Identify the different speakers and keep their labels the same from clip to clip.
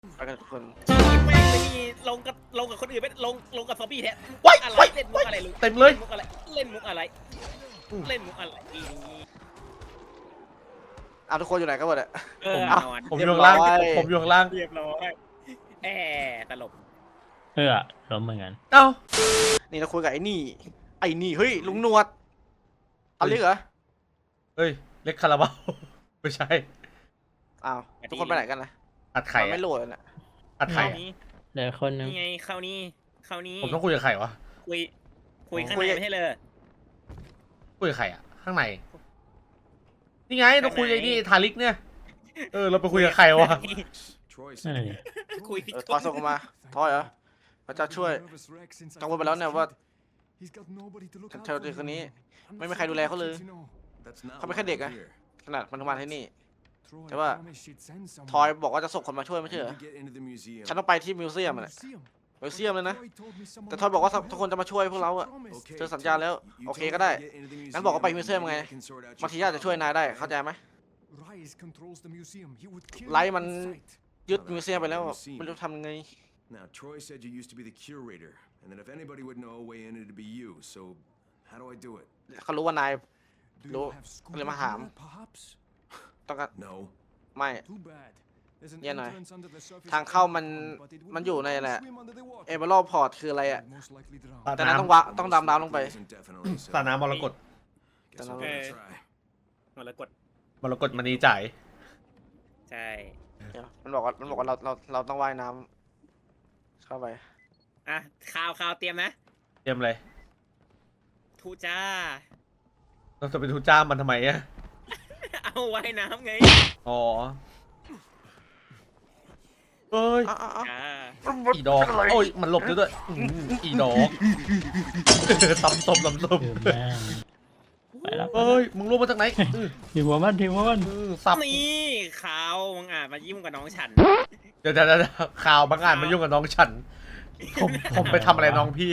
Speaker 1: ไปกันทุกคน
Speaker 2: แม่งไม่มีลงกับคนอื่นไม่ลงกับซอมบี้แท้
Speaker 1: ว้าย
Speaker 2: อะไร
Speaker 1: ว้าย
Speaker 2: เล่นมุกอะไรลูก
Speaker 1: เต็มเลย
Speaker 2: เล่นมุกอะไรเล่นมุกอะไร
Speaker 1: เอาทุกคนอยู่ไหนกันหมดอะ
Speaker 2: เออ
Speaker 1: เอา
Speaker 2: นอน
Speaker 3: ผมอยู่ข้างล่าง
Speaker 1: เรียบร้อย
Speaker 3: ผมอยู่ข้างล่าง
Speaker 2: เรียบร้อยแตลบ
Speaker 3: ล้มเหมือนกัน
Speaker 1: เอ้านี่เราคุยกับไอ้นี่เฮ้ยลุงหนวดเอาเรียกเหรอ
Speaker 3: เฮ้ย เล็กคาราบาว ไม่ใช่
Speaker 1: อ้าวทุกคนไปไหนกันนะ
Speaker 3: อัดไข่
Speaker 1: มัน
Speaker 3: อะ
Speaker 1: ไม่โหลดเลยนะ
Speaker 3: อัดไข่
Speaker 2: เข้า
Speaker 3: อะ
Speaker 2: นี้
Speaker 4: เดี๋ยวคนนึง
Speaker 2: นี่ไงเข้านี้
Speaker 3: ผมต้องคุยกับไข่วะ
Speaker 2: คุยข้างในไม่ใช่เลย
Speaker 3: คุยกับไข่อะข้างใน นี่ไงต้องคุยกับไอ้นี่ทาริกเนี่ย เราไปคุยกับไข่วะ
Speaker 4: นั่นแหละดิ
Speaker 2: คุย
Speaker 1: ทอยส่งมาทอยเหรอพระเจ้าช่วยกังวลไปแล้วเนี่ยว่าเธอเด็กคนนี้ไม่มีใครดูแลเขาเลยเขาเป็นแค่เด็กอะขนาดมันทำงานที่นี่แต่ว่าทอยบอกว่าจะส่งคนมาช่วยไม่ใช่เหรอฉันต้องไปที่มิวเซียมอะมิวเซียมเลยนะแต่ทอยบอกว่าทุกคนจะมาช่วยพวกเราอะเธอสัญญาแล้วโอเคก็ได้งั้นบอกว่าไปมิวเซียมไงบางทีอาจจะช่วยนายได้เข้าใจไหมไลท์มันยึดมิวเซียมไปแล้วไม่รู้ทำไง
Speaker 5: Now, Troy said you used to be the curator, and that if anybody would know a way in, it'd be you. So, how do I do it?
Speaker 1: เขารู้ว่านายรู้เลยมาถามต้องการ
Speaker 5: No.
Speaker 1: ไม่เนี่ยหน่อยทางเข้ามันอยู่ในแหละเอเบอร์พอร์ตคืออะไรอะ
Speaker 3: สระ
Speaker 1: แต่นั้น
Speaker 3: น้
Speaker 1: ต้องดำน้ำลงไป
Speaker 5: Isn't definitely
Speaker 3: ำสระน้ำมรกต
Speaker 5: Guess I'll give it a try.
Speaker 2: มาแล้วกด
Speaker 3: มรกตมณีจ่าย
Speaker 2: ใช่
Speaker 1: เดี๋ยวมันบอกว่าเราต้องว่ายน้ำเข้าไป
Speaker 2: อ่ะข่าวเตรียมนะ
Speaker 3: เตรียมเลย
Speaker 2: ทูจ้า
Speaker 3: เราจะไปทูจ้ามมันทำไมอะ
Speaker 2: เอาไว้น้ำไง
Speaker 3: อ๋อเอ้ย
Speaker 2: จ้า
Speaker 3: อีดอกโอ้ยมันหลบด้วยอีดอก ตำศพ
Speaker 4: คือแม่งไปแล้ว
Speaker 3: เอ้ยมึงรู้มาจากไหน
Speaker 4: ทีมหัวมันทีมหัวมัน
Speaker 3: สับ
Speaker 2: นี่ข่าวมึงอ่านมายิ้มกับน้องฉัน
Speaker 3: เดี๋ยวข่าวบางอ่านมายุ่งกับน้องฉัน ผมไปทำอะไรน้องพี่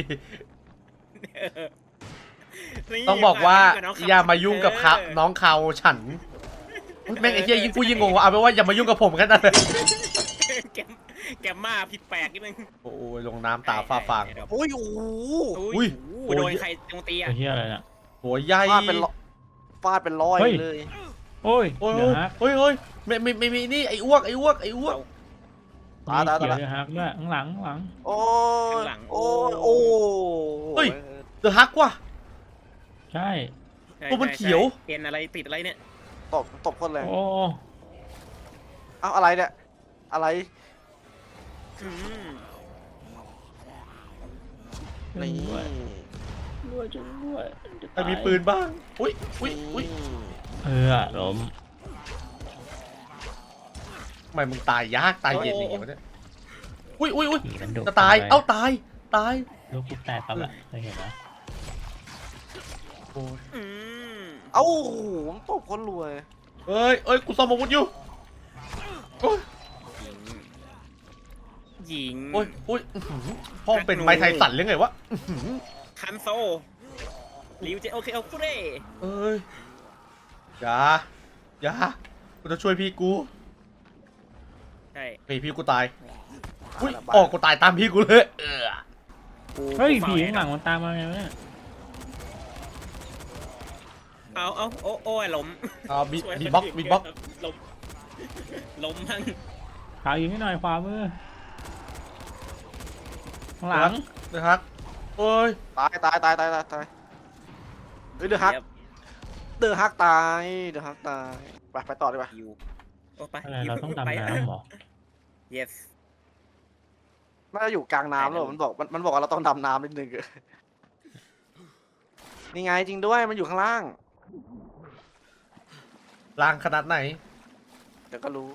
Speaker 2: นี่
Speaker 3: ต้องบอกว่า
Speaker 2: บน้ง
Speaker 3: อย่ามายุ่งกับเขาน้องเขาฉันแม่งไอ้เหี้ยยิ่งพูดยิ่งงงว่าเอาเป็นว่าอย่ามายุ่งกับผมกันนะ
Speaker 2: แกมมาผิดแปลกนิดนึง
Speaker 3: โอ้ยลงน้ำตาฟ้าฟาง
Speaker 1: โอ้ยโอ้โห
Speaker 3: อุ้ย
Speaker 2: โดนใครโจมตี
Speaker 4: ไอ้
Speaker 2: อ่ะ
Speaker 4: เหี้ยอะไรน่ะ
Speaker 3: หัวใหญ่
Speaker 1: ฟาดเป็นร้อย
Speaker 4: เฮ้ย
Speaker 1: เลย
Speaker 4: โอ้ย
Speaker 3: โอ้ย
Speaker 4: เดี๋ยวฮัก
Speaker 3: เฮ้ยไม่มีนี่ไอ้อ้วก
Speaker 4: มีเขียวเดี๋ยวฮักด้วยข้างหลัง
Speaker 1: โอ้ยโอ้ยโอ้
Speaker 3: เฮ้ยเดอะฮักว่ะ
Speaker 4: ใช่
Speaker 3: ตัวมันเขียว
Speaker 2: เอ็นอะไรติดอะไรเนี่ย
Speaker 1: ตบคนเลย
Speaker 4: โอ้
Speaker 1: เอ้าอะไรเนี่ยอะไร
Speaker 2: อืม
Speaker 1: นี่
Speaker 4: ด้วยจุด้วย
Speaker 3: ใครมีปืนบ้างอุ้ย
Speaker 4: ล้ม
Speaker 3: ทำไมมึงตายยากตายเย็นอย่างเงี้ยวะเนี่ยอุ้ย
Speaker 4: ผีมันดุ
Speaker 3: จะตายเอ้าตาย
Speaker 4: ลูกกูแตกปั๊บอะเคยเห็นไหม
Speaker 3: โอ้ย
Speaker 2: อืม
Speaker 1: เอ้าผมตบคนรวย
Speaker 3: เอ้ยกูซ่อมอาวุธอยู่โอ้ย
Speaker 2: หญิง
Speaker 3: โอ้ยพ่อมึงเป็นไม้ไทสันหรือไงวะ
Speaker 2: คันโซริวเจโอเคเอาคุเร่
Speaker 3: เอ้ยอย่ากูจะช่วยพี่กู
Speaker 2: ใช่
Speaker 3: พี่กูตายอุ้ยออกกูตายตามพี่กูเลย
Speaker 4: เฮ้ยผีข้างหลังมันตามมาไงวะเนี่ย
Speaker 2: เอาโอ้ยล้ม
Speaker 3: บีบ็อก
Speaker 2: ล้มทั้ง
Speaker 4: ขาวยิงให้หน่อยขวามือข้างหลัง
Speaker 3: นะครับเอ้ย
Speaker 1: ตายเฮ้ยเดือดฮักตายไปต่อดีกว่า
Speaker 2: อยู่โอ้ไป
Speaker 4: อะไรเราต้องดำน้ำเหรอ
Speaker 2: yes
Speaker 1: น่าจะอยู่กลางน้ำแล้วมันบอกว่าเราต้องดำน้ำนิดนึงนี่ไงจริงด้วยมันอยู่ข้างล่าง
Speaker 3: ล่างขนาดไหน
Speaker 1: เดี๋ยวก็รู้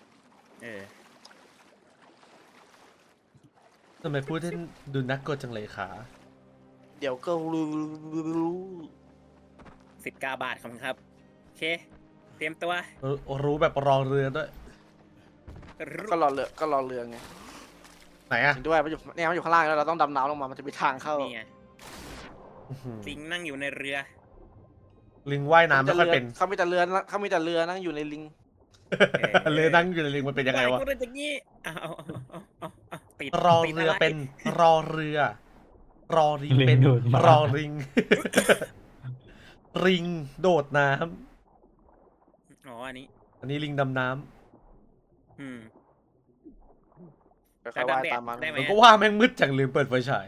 Speaker 3: ทำไมพูดให้ดูนักกดจังเลยขา
Speaker 1: เดี๋ยวก็รู้
Speaker 2: 19 บาทครับครับโอเคเตรียมตัว
Speaker 3: รู้แบบรอเรือด้วย
Speaker 1: ก็รอเรือไง
Speaker 3: ไหนอะ
Speaker 1: จริงด้วยมันอยู่ข้างล่างแล้วเราต้องดำน้ำลงมามันจะมีทางเข้า
Speaker 2: นี่ไงลิงนั่งอยู่ในเรือ
Speaker 3: ลิงว่ายน้ำไม่ค่อยเป็น
Speaker 1: เขามีแต่เรือนั่งอยู่ในลิง
Speaker 3: เลยนั่งอยู่ในลิงมันเป็นยังไงวะ
Speaker 2: ก็เป็นอย่างนี้เอาติด
Speaker 3: รอ
Speaker 2: ติด
Speaker 3: เรือ
Speaker 2: อะไร
Speaker 3: เป็นรอเรือ รอริง
Speaker 4: ลิง
Speaker 3: เป็น
Speaker 4: ดูดมาร
Speaker 3: อริง ริงโดดน้
Speaker 2: อ๋ออันนี้
Speaker 3: ำอันนี้ลิงดำน้
Speaker 2: อืม
Speaker 1: ค่อยๆว่ายตามมัน
Speaker 2: ได้ไห
Speaker 3: ำมันก็ว่าแม่งมืดจังลืมเปิดไฟฉาย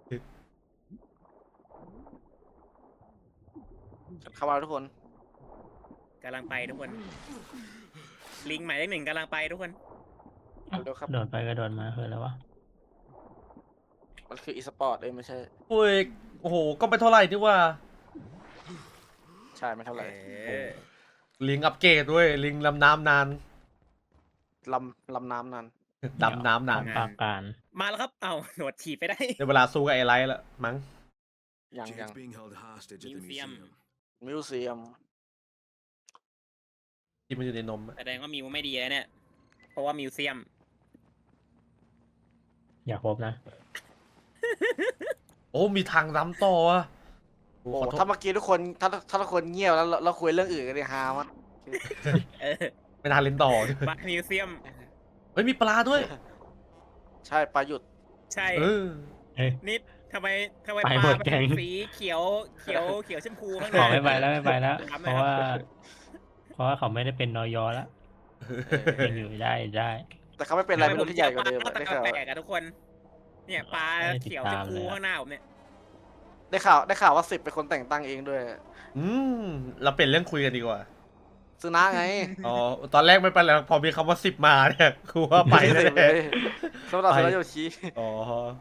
Speaker 1: เข้ามาทุกคน
Speaker 2: กำลังไปทุกคน ลิงหมายเลข 1กำลังไปทุกคน
Speaker 1: เร็วๆครับ
Speaker 4: โดดไปกระโดดมาคืออะไรวะ
Speaker 1: มันคืออีสปอร์ตเอ้ยไม่ใช่
Speaker 3: โอ้ยโอ้โหก็ไม่เท่าไหร่นี่ว่า
Speaker 1: ใช่ไม่เท่าไหร่
Speaker 3: ลิงอัปเกรดด้วยลิงลำน้ำนาน
Speaker 1: ลำน้ำนั้น
Speaker 3: ดำน้ำนาน
Speaker 4: ปากการ
Speaker 2: มาแล้วครับเอาหนวดถีบไปได้
Speaker 3: ในเวลาสู้กับไอ้ไลท์ละมั้ง
Speaker 1: ยัง
Speaker 5: Jade's being held hostage at the
Speaker 2: Museum.
Speaker 5: museum.
Speaker 1: มิวเซียม
Speaker 3: ที่มันอยู่ในนมอะ
Speaker 2: แสดงว่ามิวไม่ดีแล้วเนี่ย เพราะว่ามิวเซียม
Speaker 4: อย่าครบนะ
Speaker 3: โอ้มีทางล้ำต่อวะโอ้
Speaker 1: โอ้
Speaker 3: ขอโทษ
Speaker 1: ถ้าเมื่อกี้ทุกคนถ้าทุกคนเงียบแล้วเราคุยเรื่องอื่นกันเลยฮามาก
Speaker 2: เออ
Speaker 3: ไม่น่าเล่นต่อ
Speaker 2: บัตมิวเซียม
Speaker 3: เฮ้ยมีปลาด้วย
Speaker 1: ใช่ปลาหยุด
Speaker 2: ใช่
Speaker 3: เออ
Speaker 2: นิดทำไม
Speaker 4: ไป
Speaker 2: ป
Speaker 4: หม
Speaker 2: ลา
Speaker 4: ด
Speaker 2: มัน
Speaker 4: แก๊ง
Speaker 2: สีเขียวชมพูข้างใน
Speaker 4: ขอไม่ไปแล้วไม่ไปแล้ว
Speaker 2: ครับ
Speaker 4: เพราะว่า เพราะว่าเขาไม่ได้เป็นนอยอแล้ว
Speaker 1: เออ
Speaker 4: ยังอยู่ได้
Speaker 1: แต่เขาไม่เป็นอะไรไม่รู้ที่ใหญ่กว่าเดิม
Speaker 2: ปล
Speaker 1: อะได้
Speaker 2: ตะ
Speaker 1: ข่าว
Speaker 2: แปลกอะทุกคน เนี่ยปลาเขียวชมพูข้างหน้าผมเนี่ย
Speaker 1: ได้ข่าวว่า10เป็นคนแต่งตั้งเองด้วย
Speaker 3: อืมเราเป็นเรื่องคุยกันดีกว่า
Speaker 1: ซึนะไง
Speaker 3: อ๋อตอนแรกไม่เป็นไรหรอกพอมีคำว่า10มาเนี่ยคือว่าไป
Speaker 1: ไม่
Speaker 3: แน่
Speaker 1: ได้เลยสำหรับ
Speaker 3: ไป
Speaker 1: ซึนะโยชิ
Speaker 3: ๆอ๋อ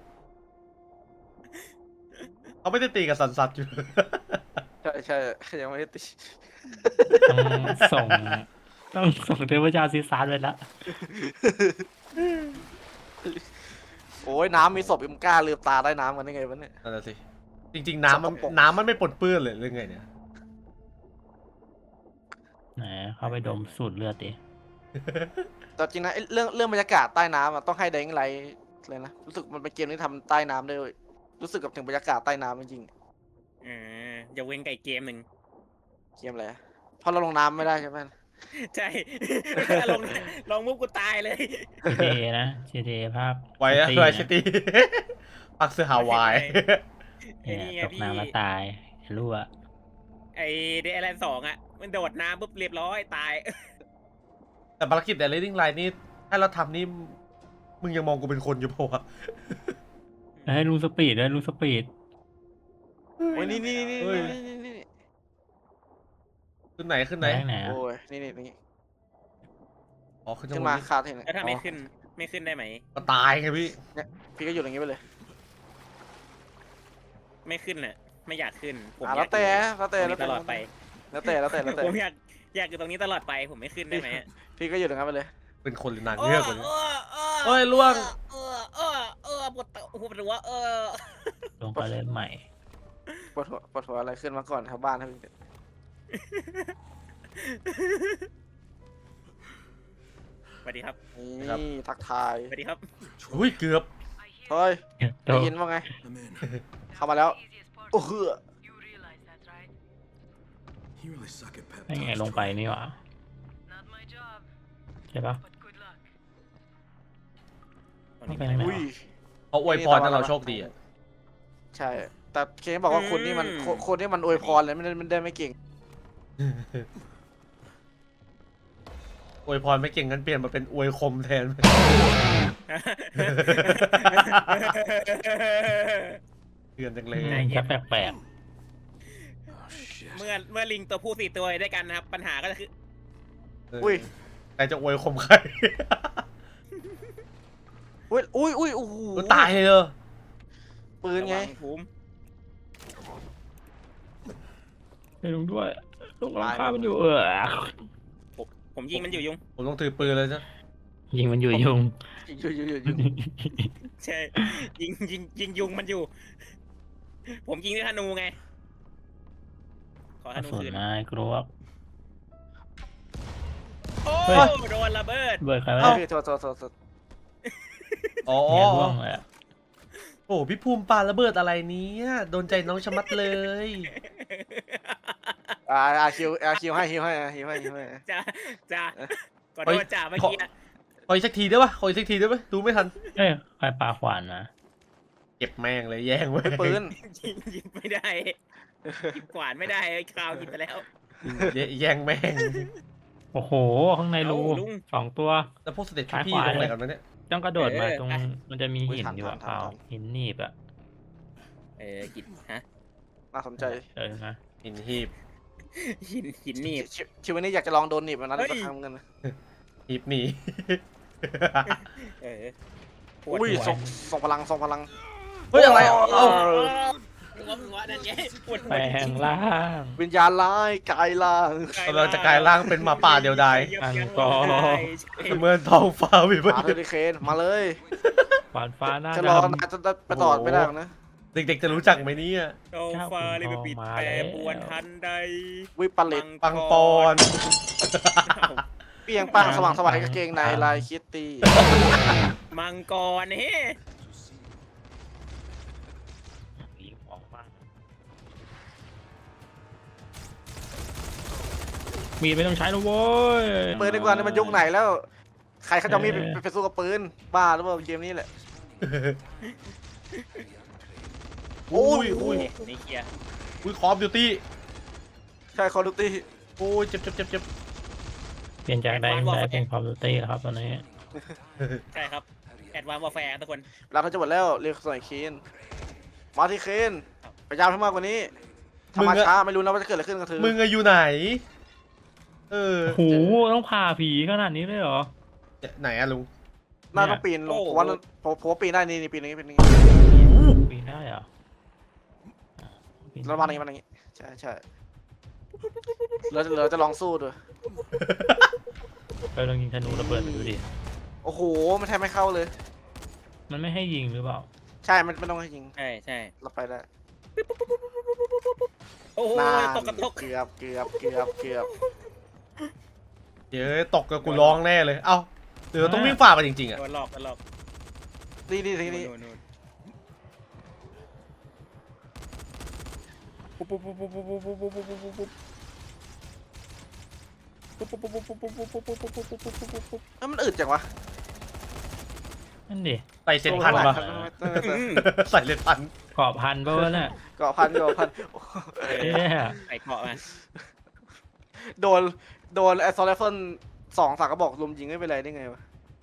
Speaker 3: เขาไม่ได้ตีกับสันสัตว์อยู่
Speaker 1: ใช่ยังไม่ได้ตี
Speaker 4: ต้องส่ง ต้องส่งเทพเจ้าซีซาร์ไปแล้ว
Speaker 1: โอ้ยน้ำมีศพยังกล้าลืมตาได้น้ำกันได้ไงวะเนี่ย
Speaker 3: นั่นแหละสิจริงๆน้ำมัน
Speaker 1: สกปรก
Speaker 3: น้ำมันไม่ปนเปื้อนเลยเรื่องไงเนี่ย
Speaker 4: ไหนเข้าไปดมสูตรเลือดดิ
Speaker 1: แต่จริงนะไอ้เรื่องบรรยากาศใต้น้ำอะต้องให้แดงไลท์เลยนะรู้สึกมันเป็นเกมที่ทำใต้น้ำได้เลยรู้สึกกับถึงบรรยากาศใต้น้ำจริง
Speaker 2: อย่าเว้นไก่เกมหนึ่ง
Speaker 1: ๆเกมอะไรอะเพราะเราลงน้ำไม่ได้ใช่ไหม
Speaker 2: ใช่ ลงมุกกูตายเลย
Speaker 4: GTA นะ GTA ภาค
Speaker 3: ไว้อะ
Speaker 4: City
Speaker 3: ไว้
Speaker 4: นะ
Speaker 3: ซิตี้ ปักเสื้อฮาวาย
Speaker 2: ไอ้นี่ไง
Speaker 4: ตก
Speaker 2: พี่
Speaker 4: น้ำแล้วตายรั่ว
Speaker 2: ไอเดลแลนด์2อ่ะ มันโดดน้ำปุ๊บเรียบร้อยตาย
Speaker 3: แต่ภารกิจแต่ Leading Line นี่ถ้าเราทำนี่มึงยังมองกูเป็นคนอยู่เปล่าวะ
Speaker 4: ให้ลุงสปีดด้วยลุงสปีด
Speaker 1: โอ้ยนี่
Speaker 3: เฮ้ย ขึ้นไหนขึ้นไหน
Speaker 4: แรงไหนอะ
Speaker 1: โอ้ยนี่
Speaker 3: อ๋อขึ้น
Speaker 1: ขึ้
Speaker 3: จั
Speaker 1: น
Speaker 3: งห
Speaker 1: มาว
Speaker 3: ะนี้
Speaker 1: คาเทน
Speaker 2: แล้วถ้าไม่ขึ้นได้ไหม
Speaker 3: ก็ตายไงพี่
Speaker 1: พี่ก็อยู่อย่างนี้ไปเลย
Speaker 2: ไม่ขึ้นน่ะ ไม่อยากขึ้น ผม
Speaker 1: อ่ะ
Speaker 2: อ
Speaker 1: แล้
Speaker 2: ยาว ก
Speaker 1: แต่
Speaker 2: อยู่ตรงนี้ตลอดไป
Speaker 1: แล้วแต่
Speaker 2: ผมอยากอยู่ตรงนี้ตลอดไป ผมไม่ขึ้นได้ไหมอะ
Speaker 1: พี่ก็อยู่อย่างนั้นไปเลย
Speaker 3: เป็นคนหรือนางเงือกวะเนี่ย
Speaker 2: โอ้
Speaker 3: เอ้ยล่วง
Speaker 2: ปวดหัว
Speaker 4: ลงไปเล่นใหม่
Speaker 1: ปวดหัวอะไรขึ้นมาก่อนครับบ้านครับ
Speaker 2: สวัสดีครับ
Speaker 1: นี่ทักทาย
Speaker 2: สวัสดีครับ
Speaker 3: อุ้ยเกือบ
Speaker 1: เฮ้ย
Speaker 4: โต
Speaker 1: ได้ยินว่าไง
Speaker 5: I'm in.
Speaker 1: เข้ามาแล้วโอ้โห
Speaker 6: You realize that, right?
Speaker 5: You really suck at pep
Speaker 4: ไม่ไง
Speaker 5: talks,
Speaker 4: ลงไป
Speaker 5: Troy.
Speaker 4: นี่หว่า
Speaker 6: Not my job,
Speaker 4: ใช่ปะ
Speaker 6: but good luck.
Speaker 4: ต้องไปทางไหน
Speaker 1: อุ้ย
Speaker 4: วะ
Speaker 3: เขาอวยพรให้เราโชคดีอะ
Speaker 1: ใช่ แต่เคบอกว่าคนนี่มันคนนี่มันอวยพรเลยไม่ได้ไม่เก่ง
Speaker 3: อวยพรไม่เก่งงั้นเปลี่ยนมาเป็นอวยคมแทน เตือนจังเลย
Speaker 4: แค่แปลก
Speaker 5: Oh, shit.
Speaker 2: เมื่อลิงตัวผู้4ตัวด้วยกันนะครับ ปัญหาก็คือ
Speaker 1: อุ้ย
Speaker 3: ใครจะอวยคมใคร
Speaker 1: อุ้ยโอ้โห
Speaker 3: ตายเลยเหรอ
Speaker 1: ปืนไง
Speaker 2: ระวัภูมิ
Speaker 4: ๆไปลงด้วยลงหลังคามันอยู่
Speaker 2: ผมยิงมันอยู่ยุง
Speaker 3: ผมต้องถือปืนเลยจ้ะ
Speaker 4: ยิงมันอยู่ยุง
Speaker 1: อยู่
Speaker 2: ใช่ ยิงยุงมันอยู่ ผมยิงด้วยธนูไง ขอธนู
Speaker 4: ส่วน
Speaker 2: คืน
Speaker 4: นายกลัว
Speaker 2: โอ้
Speaker 4: เฮ้ย
Speaker 2: โดนระเบิด
Speaker 4: เบิร์ดใครวะ
Speaker 1: พี่โทษ
Speaker 3: อ๋อ
Speaker 4: เนี่ยร่วงเลยอะ
Speaker 3: โอ้พี่ภูมิปาระเบิดอะไรเนี้ยโดนใจน้องชะมัดเลย
Speaker 1: คิวให้
Speaker 2: จ้าขอโทษจ่าเมื่อกี้อะ
Speaker 3: ขออีกสักทีได้ปะขออีกสักทีได้ปะดูไม่ทัน
Speaker 4: เอ้ยใครปาขวานนะ
Speaker 3: เก็บแม่งเลยแย่งแม่ง
Speaker 1: ปืน
Speaker 2: หยิบไม่ได้หยิบขวานไม่ได้ไอ้คราวหยิบไปแล้ว
Speaker 3: แย่งแม่ง
Speaker 4: โอ้โห ข้างในรู
Speaker 2: เอ้าลุง
Speaker 4: 2 ตัว
Speaker 3: แล้วพวกสเตจพี่
Speaker 4: ซ้ายขวา
Speaker 3: ตรงไหนกันวะเนี่ย
Speaker 4: ต้องกระโดดมา
Speaker 2: เออ
Speaker 4: ตรง
Speaker 2: อ่ะ
Speaker 4: มันจะมี
Speaker 1: อุ๊ย
Speaker 4: หิน
Speaker 1: ทัน
Speaker 4: อยู่อะ
Speaker 1: ทัน
Speaker 4: เปล่า
Speaker 1: ทัน
Speaker 4: หินหนีบอะ
Speaker 2: กินฮะ
Speaker 1: น่าสนใจ
Speaker 4: นะ
Speaker 3: หินหีบ
Speaker 2: หินหนีบ
Speaker 1: ชีวิตนี้อยากจะลองโดนหนีบมันนั้น
Speaker 2: เฮ้ย
Speaker 1: สักครั้งเหมือนกันนะ
Speaker 3: หีบหนี
Speaker 2: เออปวด
Speaker 1: อุ้ย
Speaker 2: หัว
Speaker 1: ส่งพลังส่งพลัง
Speaker 3: เฮ้ยอะไรเอ้า
Speaker 2: หัวนั่นไงปวดหัว
Speaker 4: แปลงร่าง
Speaker 1: วิญญาณร้ายกายล่าง
Speaker 3: กำลังจะกลายร่างเป็นหมาป่าเดียวดาย
Speaker 4: อังกอร์
Speaker 3: เหมือนท้องฟ้าวิบั
Speaker 1: หาเทอริเคนมาเลย
Speaker 4: ขวานฟ้าหน้า
Speaker 1: จะ
Speaker 4: ด
Speaker 1: รอนานจะไปต่อไม่ได้หรอกนะ
Speaker 3: เด็กๆจะรู้จักไหมเนี่ย
Speaker 2: โซฟาเลยไปปิดแปรปวนทันใด
Speaker 1: วิปริต
Speaker 3: ปังปอน
Speaker 1: เปียงป้างสว่างสวายกางเกงในลายคิตตี้
Speaker 2: มังกรเฮ้
Speaker 4: ำยิงออกมามีดไม่ต้องใช้แล้วโว้ย
Speaker 1: ปืนดีกว่านี่มันยุคไหนแล้ว ใครเขาจะเอามีดไปสู้กับปืนบ้าหรือเปล่าเกมนี้แหละ
Speaker 3: อุ้ยอุ้ย
Speaker 2: นี่เคลียร์
Speaker 3: อุ้ยคอมดิวตี้
Speaker 1: ใช่คอร์ดูตี้
Speaker 3: โอ้ยเจ็บเจ็บเจ็บเจ็บ
Speaker 4: เปลี่ยนจากได้เป็นความดูตี้แล้วครับตอนนี้
Speaker 2: ใช่ครับแอดวานซ์วอร์แฟร์ทุกคน
Speaker 1: เราจะหมดแล้วเรียกส่วนเคนมาที่เคนพยายามให้มากกว่านี้ถ้ามาช้าไม่รู้นะว่าจะเกิดอะไรขึ้นกับเธอ
Speaker 3: มึงอะอยู่ไหน เออ
Speaker 4: โหต้องผ่าผีขนาดนี้เลยเหรอ
Speaker 3: ไหนอะลุง
Speaker 1: น่าต้องปีนลงผมว่าผมว่าปีนได้นี่ปีนอย่างนี้ปีนอย่างนี้
Speaker 4: ปีนได้เหรอปีน
Speaker 1: แล้วมาอย่างนี้มาอย่างนี้ใช่ใช่เราจะลองสู้ด้วย
Speaker 4: ไปลองยิงธนูระเบิดดูดิ
Speaker 1: โอ้โหมันแทบไม่เข้าเลย
Speaker 4: มันไม่ให้ยิงหรือเปล่า
Speaker 1: ใช่มันไม่ต้องให้ยิง
Speaker 2: ใช่ใช่
Speaker 1: เราไปได้
Speaker 2: โอ้โห
Speaker 1: นาน
Speaker 2: ตกกระตก
Speaker 1: เกือบ
Speaker 3: เดี๋ยวตกกับกูร้องแน่เลย เอ้าเดี๋ยวต้องวิ่งฝ่าไปจริงๆอะ
Speaker 2: โดนหลอกโดนหลอก
Speaker 1: นี่ทีนี้
Speaker 2: นู่น
Speaker 1: เอ้ามันอึดจังวะ
Speaker 4: นั่นดิ
Speaker 3: ใส่เส้นพันปะ ใส่เลนพัน
Speaker 4: เกาะพันปะวะเนี่ย
Speaker 1: เกาะพัน
Speaker 4: เอ๊ะ
Speaker 2: ไอ้เกาะมา
Speaker 1: โดนไอ้ซอลเลฟเฟิล2 3 กระบอกลุมยิงไม่เป็นไรได้ไงวะ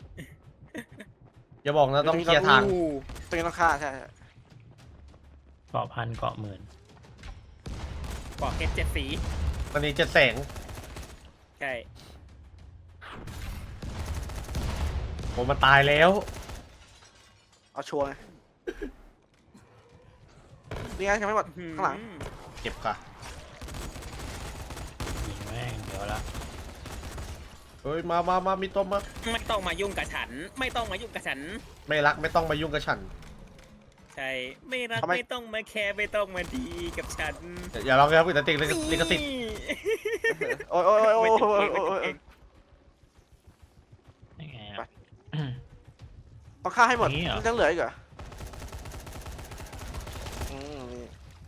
Speaker 3: อย่าบอกนะต้องเคลียร์ทาง
Speaker 1: ตรงนี้ต้องฆ่าใช่
Speaker 4: เกาะพันเกาะหมื่น
Speaker 2: เกาะเพชร7 สี
Speaker 3: ตอนนี้จะแสง
Speaker 2: ใช่
Speaker 3: ผมมาตายแล้ว
Speaker 1: เอาชัวร์ไงนี่ไงยังไม่หมดข้างหลัง
Speaker 3: เก็บค่ะ
Speaker 4: ยิงแม่งเดี๋ยวละ
Speaker 3: เฮ้ยมามีตัวมา
Speaker 2: ไม่ต้องมายุ่งกับฉัน ไม่ต้องมายุ่งกับฉัน
Speaker 3: ไม่รักไม่ต้องมายุ่งกับฉัน
Speaker 2: ใช่ไม่รัก
Speaker 1: ทำไม
Speaker 2: ไม่ต้องมาแคร์ไม่ต้องมาดีกับฉัน
Speaker 3: อย่าลองครับแต่ติดลิขสิทธิ์
Speaker 1: โอ้ย
Speaker 4: ยังไง
Speaker 1: ไป
Speaker 4: อะ
Speaker 1: ต้องฆ่าให้หมด
Speaker 4: นี่เหรอ
Speaker 1: มันจะเหลืออีกเหรอนี่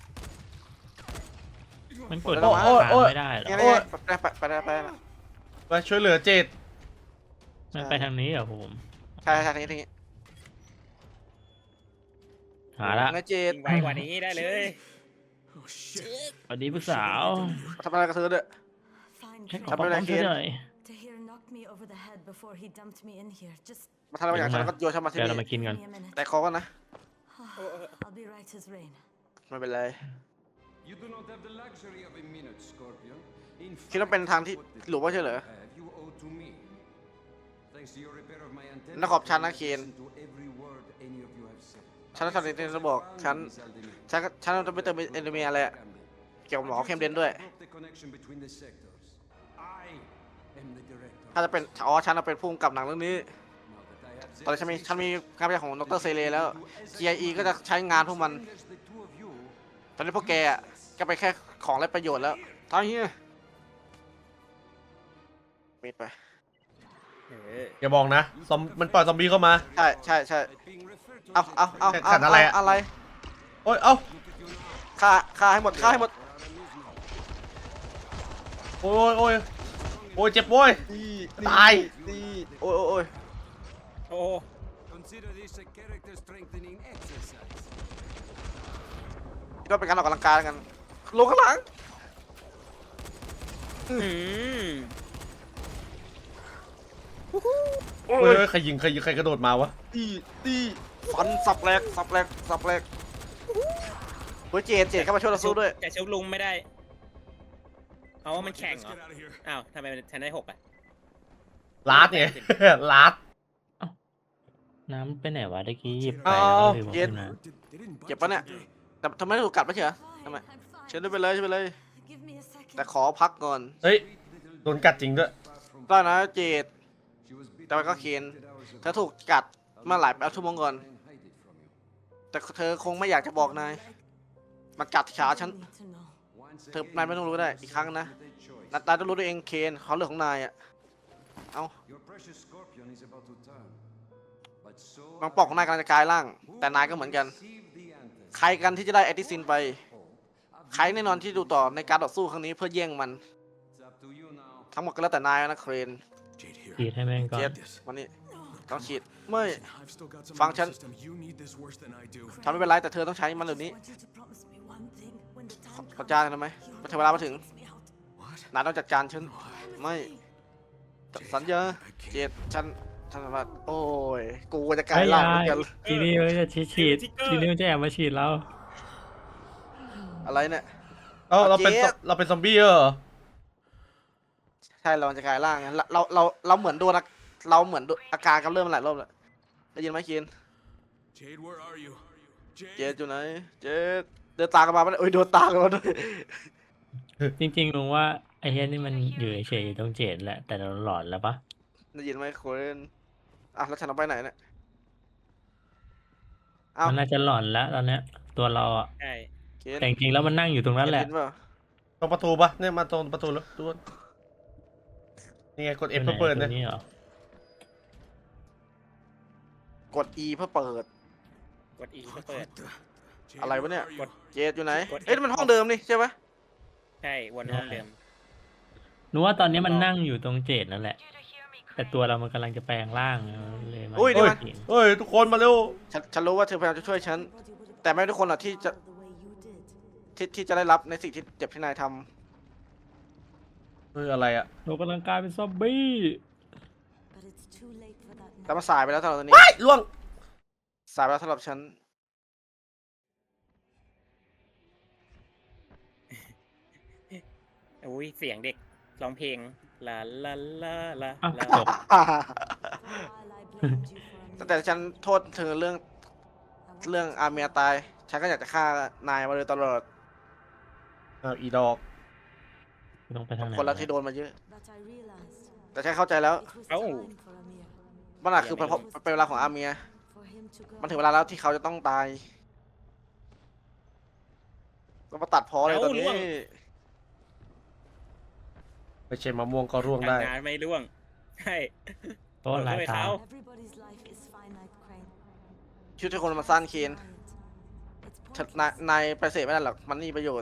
Speaker 4: มันกด
Speaker 1: โอ้
Speaker 4: ผ่าน
Speaker 3: โอ้ย
Speaker 4: ไม่ได้เหรอ
Speaker 1: นี่ไปนะ
Speaker 3: มาช่วยเหลือเจด
Speaker 4: มันไปทางนี้เหรอผม
Speaker 1: ใช่ทีนี้
Speaker 4: หาละ
Speaker 1: นะเจด
Speaker 2: ยิงไวกว่านี้ได้เลย
Speaker 5: Oh shit.
Speaker 4: สวัสดีผู้สาว
Speaker 1: ทำอะไรกับเธอเด้อ
Speaker 7: Fine
Speaker 4: ฉันขอ
Speaker 7: girl.
Speaker 4: ป้องกันเธอหน่อย
Speaker 7: Tahir knocked me over the head before he dumped me in here. Just
Speaker 1: มาทำอะไรอย่างฉันก็โยนฉันมาที่
Speaker 4: เดี๋ยวเรา
Speaker 1: นี่
Speaker 4: มากินกัน
Speaker 7: give me a minute.
Speaker 1: แต่คอกันนะ
Speaker 7: I'll be right as rain.
Speaker 1: ไม่เป็นไร
Speaker 5: You do not have the luxury of a minute, Scorpion. In
Speaker 1: คิดว่าเป็นทางที่หลุมว่าใช่เหรอ
Speaker 5: have you owe to me. Thanks to your repair of my antenna,
Speaker 1: นักขอบฉันนะเคน
Speaker 5: listen to every word any of you have said.
Speaker 1: ฉันจะจะบอกฉันจะไปเติมเอนโดเมียอะไรอะเกี่ยวกับหมอเข้มเดนด้วย
Speaker 5: Broke the connection between the sectors. I am the director.
Speaker 1: ถ้าจะเป็นฉันเป็นผู้กำกับหนังเรื่องนี้
Speaker 5: Now that I have
Speaker 1: ตอนนี้ฉันมีงานวิจัยของดรเซเลแล้ว GIE ก็จะใช้งานพวกมัน
Speaker 5: as the two of you
Speaker 1: ตอนนี้พวกแกอะก็ไปแค่ของไร้ประโยชน์แล้วตอนนี้ปิดไป
Speaker 3: อย่าบอกนะมันปล่อยซอมบี้เข้ามา
Speaker 1: ใช่
Speaker 5: being referred to
Speaker 1: เอา
Speaker 3: ขัดอะไรอะ
Speaker 1: อะไร
Speaker 3: โอ้ยเอ้า
Speaker 1: ฆ่าให้หมด
Speaker 3: โอ้ยโอ้ยเจ็บโว้ย ตาย
Speaker 1: นี่โอ้ยโอ้ยโอ้ย
Speaker 2: โอ้
Speaker 5: Consider this a character strengthening exercise.
Speaker 1: ก็เป็นการออกกำลังกายกันลงข้างหลัง
Speaker 2: อืม
Speaker 1: โอ้
Speaker 3: เฮ้
Speaker 1: ย
Speaker 3: ยใครยิงใครกระโดดมาวะ
Speaker 1: ตีฟันสับแหลกสับแหลกสับแหลกเฮ้ยเจดเข้ามาช่วยเราสู้ด้วย
Speaker 2: แต่ชุบลุงไม่ได้เอาว่ามันแข่ง
Speaker 5: Let's
Speaker 2: เหรอ
Speaker 5: get out of here.
Speaker 2: อ้าวทำไมฉันได้6อ่ะ
Speaker 3: ลาดไง ลาด
Speaker 4: น้ำไปไหนวะตะกี้หยิบไป
Speaker 1: เอา
Speaker 4: แล้วก็ลืมเอา
Speaker 1: เย็น
Speaker 4: ขึ้นมา
Speaker 5: They didn't
Speaker 1: เจ็บ
Speaker 5: bite
Speaker 1: ปะเนี่ย
Speaker 5: you today.
Speaker 1: แต่ทำไมถูกกัดไม่ใช่เหรอ
Speaker 7: Fine,
Speaker 1: ทำไม
Speaker 7: I'm fine.
Speaker 1: เชิญด้วยไปเลยเชิญไปเลย
Speaker 7: Give me a second.
Speaker 1: แต่ขอพักก่อน
Speaker 3: เฮ้ย โดนกัดจริงด้วย
Speaker 1: ได้นะเจดแต่มันก็เคนเธอถูกกัดมาหลายชั่วโมงก่อน แต่เธอคงไม่อยากจะบอกนายมากัดขาฉัน
Speaker 7: You need to know.
Speaker 1: นายไม่ต้องรู้ได้อีกครั้งนะนายต้องรู้ด้วยเองเคนเขาเรื่องของนายอ่ะ เอา
Speaker 5: Your precious scorpion is about to turn. But so
Speaker 1: บางปอกของนายกำลังจะกลายร่าง แต่นายก็เหมือนกัน
Speaker 5: receive the answer.
Speaker 1: ใครกันที่จะได้แอติซินไป ใครแน่นอนที่ดูต่อในการต่อสู้ครั้งนี้เพื่อแย่งมัน
Speaker 5: It's up to you now.
Speaker 1: ทั้งหมดก็แล้วแต่นายนะเครน
Speaker 5: Jade
Speaker 4: ฉีด
Speaker 5: here.
Speaker 4: ให้แม่งก่อ
Speaker 1: เจ็
Speaker 4: น
Speaker 1: ดวันนี้ต้องฉีดไม่
Speaker 5: I've still got some
Speaker 1: Function.
Speaker 5: nervous system. You need this worse than I do.
Speaker 1: ทำไม่เป็นไรแต่เธอต้องใช้มันเดี๋ยวนี้
Speaker 7: I want you to promise me one thing. When the time
Speaker 1: ขอ
Speaker 7: comes,
Speaker 1: จ้างกันทำไมพอถึงเวลามาถึง
Speaker 7: takes me out.
Speaker 5: What?
Speaker 1: นายต้องจัดการฉัน ไม่ สัญญา
Speaker 5: I can't.
Speaker 1: เจ็ดฉันว่าโอ้ย กูจะกลายร่างเหมือนกัน
Speaker 4: ทีนี้มันจะฉีดทีนี้มันจะแอบมาฉีดเรา
Speaker 1: อะไรเนี่ย
Speaker 3: เอ้าเราเป็น
Speaker 1: เจ็ด
Speaker 3: เราเป็นซอมบี้เหรอ
Speaker 1: ใช่เราจะกลายร่างไงเราเหมือนโดนเราเหมือนอาการกำเริบมาหลายรอบแล้วได้ยินไหมเคน
Speaker 5: Jade, where are you?
Speaker 1: เจ็ดอยู่ไหน เจ็ดเดินตามกันมาไม่ได้โอ้ยโดนตามกันมาด้วย
Speaker 4: จริงๆลุงว่าไอ้เฮียนี่มันอยู่เฉยๆอยู่ตรงเจ็ดแหละ แต่เราหลอนแล้วปะ
Speaker 1: ได้ยินไหมเคนอ่ะแล้วฉันเอาไปไหนเนี่ยอ้าว
Speaker 4: มันน่าจะหลอนแล้วตอนเนี้ย ตัวเราอะ
Speaker 2: ใช่
Speaker 1: เคน
Speaker 4: แต่จริงๆแล้วมันนั่งอยู่ตรงนั้นแหละ
Speaker 1: เห็นเปล่า
Speaker 3: ตรงประตูปะเนี่ยมาตรงประตูแล้วดูนี่ไงกด F เพื่อเปิด
Speaker 4: ตั
Speaker 3: เนี่
Speaker 4: วย นี้เหรอก
Speaker 1: ด E เพื่อเปิด
Speaker 2: กด E ก็เปิด
Speaker 5: Jade,
Speaker 1: อะไรวะเนี่ย
Speaker 5: where are you?
Speaker 1: เจ็ดอยู่ไหน
Speaker 2: กด
Speaker 1: เอ้ยนี่มันห้องเดิมนี่ใช่ไหม
Speaker 2: ใช่วนห้องเดิม
Speaker 4: หนูว่าตอนนี้มันนั่งอยู่ตรงเจ็ดนั่นแหละ
Speaker 6: You to hear me
Speaker 4: แต่
Speaker 6: cry.
Speaker 4: ตัวเรามันกำลังจะแปลงร่างเลยมัน
Speaker 1: อุ้ยนี่มัน
Speaker 4: เห็น
Speaker 3: เฮ้ย ทุกคนมาเร็ว
Speaker 1: ฉันรู้ว่าเธอพยายามจะช่วยฉัน
Speaker 7: Everybody would have
Speaker 1: แต่ไม่ทุกคนหรอกที่จะ
Speaker 7: the way you did.
Speaker 1: ที่จะได้รับในสิ่งที่เจ็บที่นายท
Speaker 3: เฮ้ย อะไรอะ
Speaker 4: เรากำลังกลายเป็นซอมบี้
Speaker 7: But it's too late for that
Speaker 1: ำแต่
Speaker 7: now.
Speaker 1: มันสายไปแล้วสำหรับตอนนี้
Speaker 3: ว้ายล่วง
Speaker 1: สายไปแล้วสำหรับฉัน
Speaker 2: อุ้ยเสียงเด็กร้องเพลงลาลาลาลา
Speaker 4: อ้าว
Speaker 2: ลา
Speaker 4: จบ
Speaker 7: For a while I blamed you for a
Speaker 1: ตั้งแต่ฉันโทษเธอเรื่อง
Speaker 7: mistake.
Speaker 1: เรื่องอาเมียตาย ฉันก็อยากจะฆ่านายมาโดยตลอด
Speaker 3: อ้าวอีดอก
Speaker 4: ต้องไปทางไหน
Speaker 1: คนละที่โดนมาเยอะ
Speaker 7: But I realized
Speaker 1: แต่ฉันเข้าใจแล้ว
Speaker 7: it was time for Amir.
Speaker 1: มันอาจคือเป็นเวลาของอาเมีย
Speaker 7: For him to go.
Speaker 1: มันถึงเวลาแล้วที่เขาจะต้องตาย ก็มาตัดพอเลยตอนนี้
Speaker 3: ไม่ใช่มะม่วงก็ร่วงได้
Speaker 2: ทำงานไม่ร่วง ใช่
Speaker 4: เพราะว่าหลายตา
Speaker 7: Everybody's life is finite, Crane.
Speaker 1: ชีวิตทุกคนมันสั้นเคน
Speaker 7: It's
Speaker 1: ฉัน
Speaker 7: pointless.
Speaker 1: นายไปเสพไม่ได้หรอก มันนี่ประโยชน์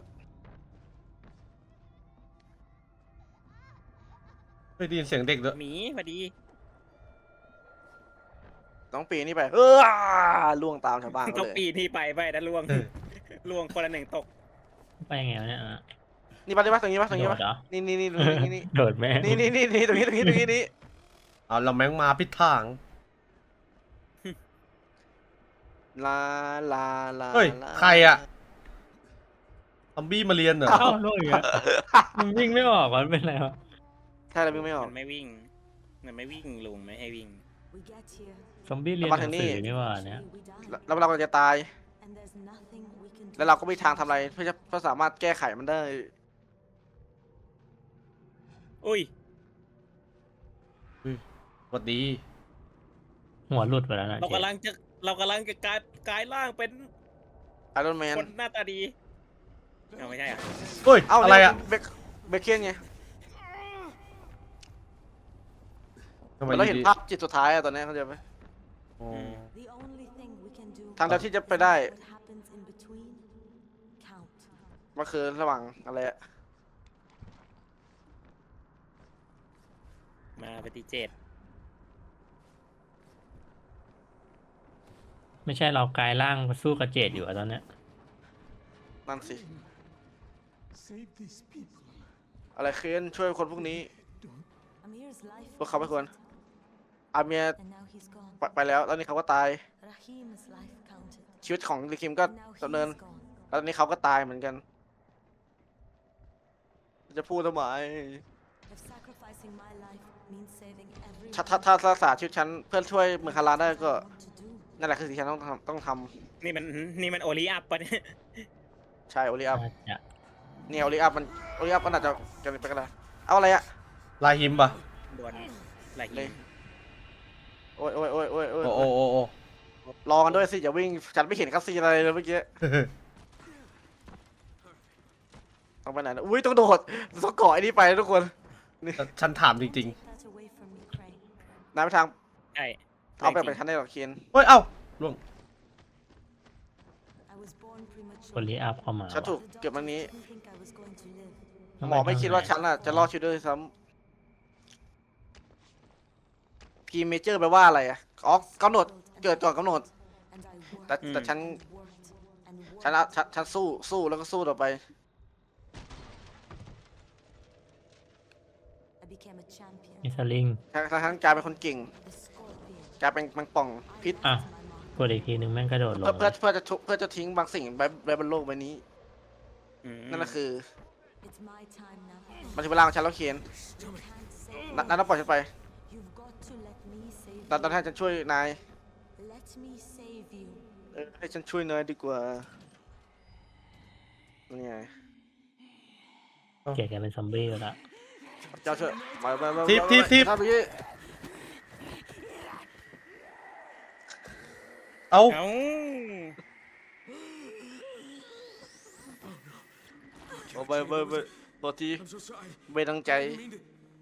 Speaker 3: เฮ้ยได้ยินเสียงเด็กด้วย
Speaker 2: หมีพอดี
Speaker 1: ต้องปีนี่ไปล่วงตามชาวบ้าน
Speaker 2: ต้
Speaker 1: เขา
Speaker 2: อง
Speaker 1: เลย
Speaker 2: ปีที่ไปนะล่วง ล่วงคนละหนึ่งตก
Speaker 4: ไปยังไงวะเนี่ยอ่ะ
Speaker 1: นี่ปะนี่ปะตรงนี้ปะตรงนี้
Speaker 4: โด
Speaker 1: ปะ
Speaker 4: ดเหรอ
Speaker 1: นี่ตรงนี้นี่
Speaker 4: โดดแม่ง
Speaker 1: นี่ตรงนี้นี่
Speaker 3: เอาเราแมงมาพิดทาง
Speaker 1: ลาลาลา
Speaker 3: เฮ้ย
Speaker 1: ลา
Speaker 3: ใครอะ ซอมบี้มาเรียนเหรอ
Speaker 4: เอ้าล่วงอีกแล้วมันวิ่งไม่ออกมันเป็นไรวะ
Speaker 1: ใช่แล้ววิ่งไม่ออก
Speaker 2: มันไม่วิ่ง มันไม่วิ่งลุงไม่ให้วิ่ง
Speaker 7: We get here.
Speaker 4: ซอมบี้เรียนหนังสือนี่หว่าเนี่ย
Speaker 7: We die.
Speaker 1: แล้วเราก็จะตาย
Speaker 7: And there's nothing we can do.
Speaker 1: แล้วเราก็ไม่มีทางทำอะไรเพื่อสามารถแก้ไขมันได้
Speaker 2: อุ้ย
Speaker 3: สวัสดี
Speaker 4: หัวหลุดไปแล้วนะ
Speaker 2: เรากำลังจะกลายร่างเป็น
Speaker 1: ไอรอนแมน
Speaker 2: คนหน้าตาดีเอาไม่ใช่อ่ะ
Speaker 3: เฮ้ย
Speaker 1: เอ้า
Speaker 3: อะไรอะ
Speaker 1: เบคเคนไง
Speaker 3: ทำไม
Speaker 1: เราเห็น
Speaker 3: ดี
Speaker 1: ภาพจิตสุดท้ายอะตอนนี้เข้าใจไหม
Speaker 3: ๆอ๋อ
Speaker 7: The only thing we can do.
Speaker 1: ทางเดียวที่จะไปได้
Speaker 7: What happens in between? Count.
Speaker 1: มันคือระหว่างอะไรอะ
Speaker 2: มาปฏิเจต
Speaker 4: ไม่ใช่เรากลายร่างมาสู้กับเจดอยู่อะตอนเนี้ย
Speaker 1: นั่นสิ อะไรเคนช่วยคนพวกนี้
Speaker 7: Amir's life
Speaker 1: พวกเขาไม่ควร อาเมีย
Speaker 7: and now he's gone.
Speaker 1: ไปแล้วนี่เขาก็ตาย
Speaker 7: Rahim's life counted.
Speaker 1: ชีวิตของลิคิมก็
Speaker 7: And now
Speaker 1: ดำเนิน
Speaker 7: he's gone.
Speaker 1: แล้วตอนนี้เขาก็ตายเหมือนกัน จะพูดทำไม
Speaker 7: If sacrificing my life means saving everyone,
Speaker 1: ถ้ารักษาชีวิตฉันเพื่อช่วยเมืองคาราได้ก็
Speaker 7: what to do?
Speaker 1: นั่นแหละคือสิ่งที่ฉันต้องท
Speaker 2: นี่มันโอลิอัพปะเนี่ย
Speaker 1: ำใช่โอลิอัพ
Speaker 4: น่าจะ
Speaker 1: เนี่ยโอลิอัพมันอาจจะกันไปก็ได้เอาอะไรอะ
Speaker 3: ลาหิมปะ
Speaker 2: ดวลไหล
Speaker 1: เล
Speaker 2: หิ
Speaker 1: ย
Speaker 2: ม
Speaker 1: โอ้ยโอ้ยโอ้ยโอ้ยโอ้ย
Speaker 3: โอ้โอ้โอ้
Speaker 1: รอกันด้วยสิอย่าวิ่งฉันไม่เห็นคัสซีนอะไรเลยเมื่อกี้ต้องไปไหนนะอุ้ยต้องโดดต้องเกาะไอ้นี่ไปนะทุกคน
Speaker 3: ฉันถามจริง
Speaker 7: Take that away from me, Crane.
Speaker 1: นายไปทาง
Speaker 2: ใช่
Speaker 1: เอาไปชั้นได้หรอเคน
Speaker 3: ๆ เฮ้ย เอ้าล่วง
Speaker 7: I was born
Speaker 4: คน
Speaker 7: premature.
Speaker 4: รีอัพเข้ามา
Speaker 1: ฉันถูก
Speaker 7: The
Speaker 1: เก็บมันนี้
Speaker 7: doctors didn't think I was going to live.
Speaker 1: หมอไม่คิดว่าฉันน่ะจะรอดชีวิตด้วยซ้ำพีเมเจอร์แปลว่าอะไรอะอ๋อกำหนดเกิดก่อนกำหนด
Speaker 7: And I worked
Speaker 1: แต่ฉัน
Speaker 7: and worked and worked.
Speaker 1: ฉันสู้แล้วก็สู้ต่อไป
Speaker 7: I became a champion.
Speaker 4: มีสลิง
Speaker 1: ฉันกลายเป็นคนเก่ง
Speaker 7: The scorpion.
Speaker 1: กลายเป็นมังป่องพิษ
Speaker 4: อ่ะ
Speaker 7: My mark.
Speaker 4: กดอีกทีหนึ่งแม่งกระโดดลง
Speaker 1: เพื่อจะทิ้งบางสิ่งไว้บนโลกใบนี้
Speaker 2: อืม
Speaker 1: นั่นก็คือ
Speaker 7: It's my time now.
Speaker 1: มันถึงเวลาของฉันแล้วเคน
Speaker 7: You can't save
Speaker 1: นั่นต้องปล่อยฉันไป
Speaker 7: You've got to let me save
Speaker 1: ตอนให้ฉันช่วยนาย
Speaker 7: Let me save you.
Speaker 1: ให้ฉันช่วยนายดีกว่านี่ไง
Speaker 4: เกลียดกันเป็นซอมบี้แล้วละ
Speaker 1: เจ้าช่วยมา
Speaker 3: ทิป
Speaker 1: ทำอย่างนี้
Speaker 3: เอ้า
Speaker 2: เอ้า
Speaker 1: โอ้ไปตัวที
Speaker 5: I'm so sorry.
Speaker 1: ไม่ตั้งใจ
Speaker 5: I didn't mean to.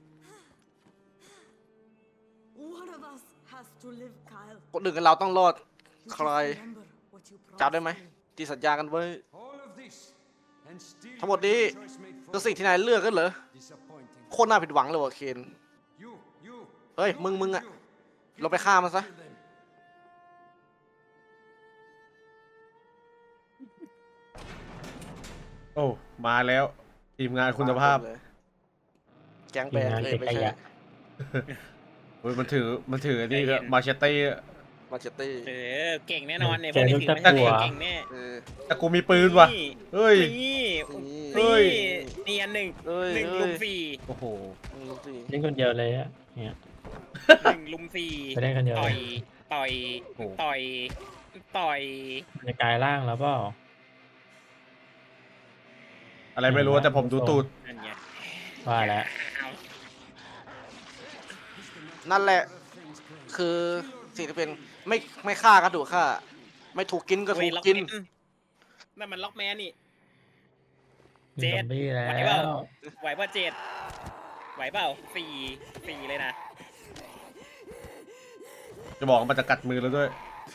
Speaker 7: One of us has to live, Kyle.
Speaker 1: คนอื่นกับเราต้องรอด ใคร
Speaker 7: Remember what you
Speaker 1: จำได้ไหม
Speaker 7: promised
Speaker 1: ที่สัญญากันไว้
Speaker 5: All of this and still
Speaker 1: ทั้งหมดนี้
Speaker 5: choice made
Speaker 1: คือ
Speaker 5: for
Speaker 1: สิ่งที่นายเลือกกันเหรอ
Speaker 5: disappointing.
Speaker 1: โคตรน่าผิดหวังเลยว่ะเคน
Speaker 5: You.
Speaker 1: เฮ้ยมึงอะเราไปฆ่ามันซะ
Speaker 5: Kill them.
Speaker 3: โอ้ มาแล้ว ทีมงานคุณภาพ
Speaker 1: แกงแบงเลยไม่ใช่
Speaker 3: เฮ้ย มันถืออันนี้ก็มาเชตเต้
Speaker 1: มาเชตตี้
Speaker 2: เออเก่งแน่นอนเนี่ยพวกนี้ถือไม่ใช่เก่งแน่
Speaker 1: เออ
Speaker 3: แต่กูมีปืนว่ะ
Speaker 2: นี่
Speaker 3: เฮ้ย
Speaker 2: นี่
Speaker 3: เฮ้
Speaker 2: นี่
Speaker 3: ย
Speaker 2: นี่อันหนึ่ง
Speaker 1: เอ้ย
Speaker 2: หนึ่ง
Speaker 1: เอ้ย
Speaker 2: ลุมสี่
Speaker 3: โอ้โห
Speaker 1: ลูกสิ
Speaker 4: เล่นคนเดียวเลยอะเนี่ย
Speaker 2: หนึ่งลุมสี่
Speaker 4: ไปได้กันเดียว
Speaker 2: ต่
Speaker 4: เล
Speaker 2: อย ยต่อย
Speaker 3: โอ้โห
Speaker 2: ต่อยต่อย
Speaker 4: จะกลายร่างแล้วเปล่า
Speaker 3: อะไรไม่รู้แต่ผมดูตูด
Speaker 2: อันเนี้ย
Speaker 4: ว่าแล้ว
Speaker 2: เอา
Speaker 1: นั่นแหละ คือสิ่งที่เป็นไม่ฆ่าก็ถูกฆ่า ไม่ถูกกินก็ถู
Speaker 2: เว้ย
Speaker 1: ก
Speaker 2: ล็อก
Speaker 1: กิน
Speaker 2: แมนนั่นมันล็อกแมนนี่
Speaker 4: มี
Speaker 2: เจ็
Speaker 4: ซ
Speaker 2: ด
Speaker 4: อมบี้แล้
Speaker 2: ไหวเปล่า
Speaker 4: ว
Speaker 2: ไหวเปล่าเจ็ดไหวเปล่าสี่เลยนะ
Speaker 3: จะบอกว่ามันจะกัดมือแล้วด้วย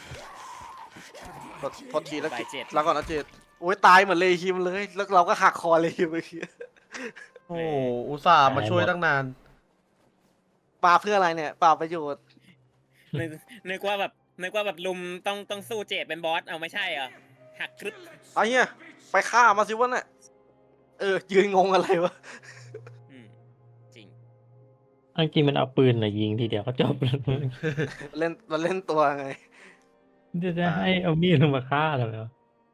Speaker 1: พอทีแล้ว
Speaker 2: ไหวเจ็ด
Speaker 1: แล้วก่อนนะเจดโอ้ยตายเหมือนเลฮิมเลย แล้วเราก็หักคอเลฮิมเมื่อกี้
Speaker 3: โอ้ อุตส่าห์มาช่วยตั้งนาน
Speaker 1: ปาเพื่ออะไรเนี่ยปาประโยชน์
Speaker 2: นึกว่าแบบลุมต้องสู้เจ็ดเป็นบอสเอาไม่ใช่เหรอหักกรึบ
Speaker 1: เอาเฮียไปฆ่ามาสิวะเนี่ยยืนงงอะไรวะ
Speaker 2: อืมจริง
Speaker 4: อันจริงมันเอาปืนน่ะยิงทีเดียวก็จบแล้ว
Speaker 1: มันเล่นตัวไง
Speaker 4: จะให้เอามีดลงมาฆ่าเหรอ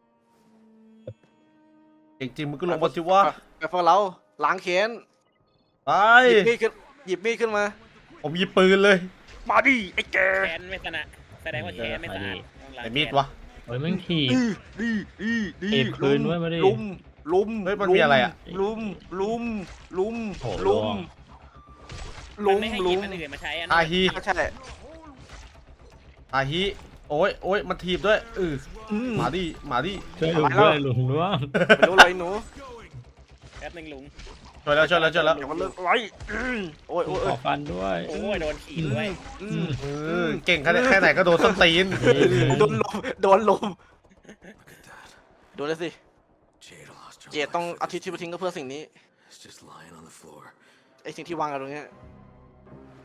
Speaker 3: จริงๆมึงก็ลงมาสิวะ
Speaker 1: ไปพวกเราล้างแค้น
Speaker 3: ไป
Speaker 1: หยิบมีดขึ้นมา
Speaker 3: ผมหยิบปืนเลย
Speaker 1: มาดิไอ้แก
Speaker 2: แค้นไม่ชนะแสดงว่าแค้นไม่สะอาดต้องล้าง
Speaker 3: ไอ้มีดวะ
Speaker 4: โอ้ยแม่งถีบ
Speaker 1: ดี
Speaker 4: เก็บคืนไว้มาดิ
Speaker 1: ลุม
Speaker 3: เฮ้ยมันมีอะไรอะ
Speaker 1: ลุม
Speaker 4: โอ้โห
Speaker 2: มันไม่ให้หยิบอันอื่นมาใช้อัน
Speaker 3: อา
Speaker 2: นั้น
Speaker 3: ฮี
Speaker 1: ใช่
Speaker 3: อาฮีโอ้ยมันถีบด้วยมาดิ
Speaker 4: ช่วยลุงด้วยลุงร่วง
Speaker 1: ไม่รู้อะไรหนู
Speaker 2: แป๊บนึงลุง
Speaker 3: ช่วยแล้ว
Speaker 1: เดี๋ยวมันเลิกไล่โอ้ย
Speaker 4: ขอฟันด้วย
Speaker 2: โอ้ยโดนขีดด้วย
Speaker 3: เก่งแค่ไหนก็โดนส้นตีน
Speaker 1: โดนลมโดนเลยสิ
Speaker 5: Jade lost her
Speaker 1: เจดต้องเอาทิชชู่ไปทิ้งก็เพื่อสิ่งนี้
Speaker 5: It's just lying on the floor.
Speaker 1: ไอสิ่งที่วางกันตรงเนี้ย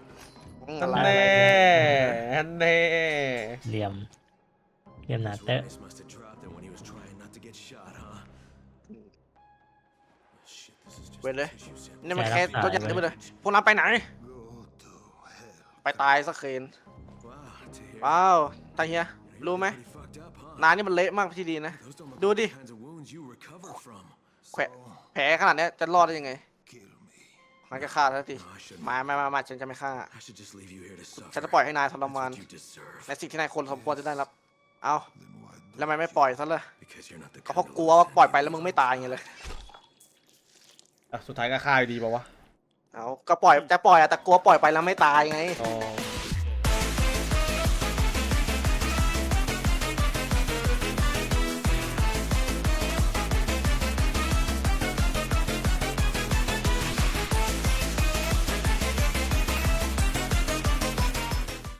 Speaker 3: อัน
Speaker 1: อะไร
Speaker 3: แน่อันแน่
Speaker 4: เหลี่ยมหนา
Speaker 5: His
Speaker 4: เตอะ
Speaker 5: Rice must have dropped it when he was trying not to get shot, huh? Shit, this is just
Speaker 1: เว้นเลย
Speaker 5: a tissue sample.
Speaker 1: นี่มันแค่ตัวอย่างนี้ไปเลยพวกนั้นไปไหน ไปตายสักเคน
Speaker 5: Wow, to hear
Speaker 1: ว้าวตาเฮีย รู้ไหม
Speaker 5: pretty fucked up, huh?
Speaker 1: นายนี่มันเละมากพี่ดีนะ
Speaker 5: Those don't look
Speaker 1: Do
Speaker 5: like
Speaker 1: đi.
Speaker 5: the kinds of wounds you recover from.
Speaker 1: แขวะแผลขนาดเนี้ยจะรอดได้ยังไงมันก็ฆ่าทันที
Speaker 5: No, I shouldn't.
Speaker 1: มาฉันจะไม่ฆ่า
Speaker 5: I should just leave you here to suffer.
Speaker 1: ฉันจะปล่อยให้นายทร
Speaker 5: That's
Speaker 1: มาน
Speaker 5: what you deserve.
Speaker 1: ในสิ่งที่นายคนสมควรจะได้รับ เอาแล้วทำไมไม่ปล่อยซะเลย
Speaker 5: Because you're not the
Speaker 1: ก็เพราะ
Speaker 5: kind
Speaker 1: ก
Speaker 5: to
Speaker 1: ลัว
Speaker 5: let
Speaker 1: ว่าปล่อยไปแล้วมึงไม่ตายไงเลย
Speaker 3: อ่ะสุดท้ายก็ฆ่าอยู่ดีป่าวะ
Speaker 1: เอาก็ปล่อยจะปล่อยอะแต่กลัวปล่อยไปแล้วไม่ตายไง
Speaker 3: อ๋อ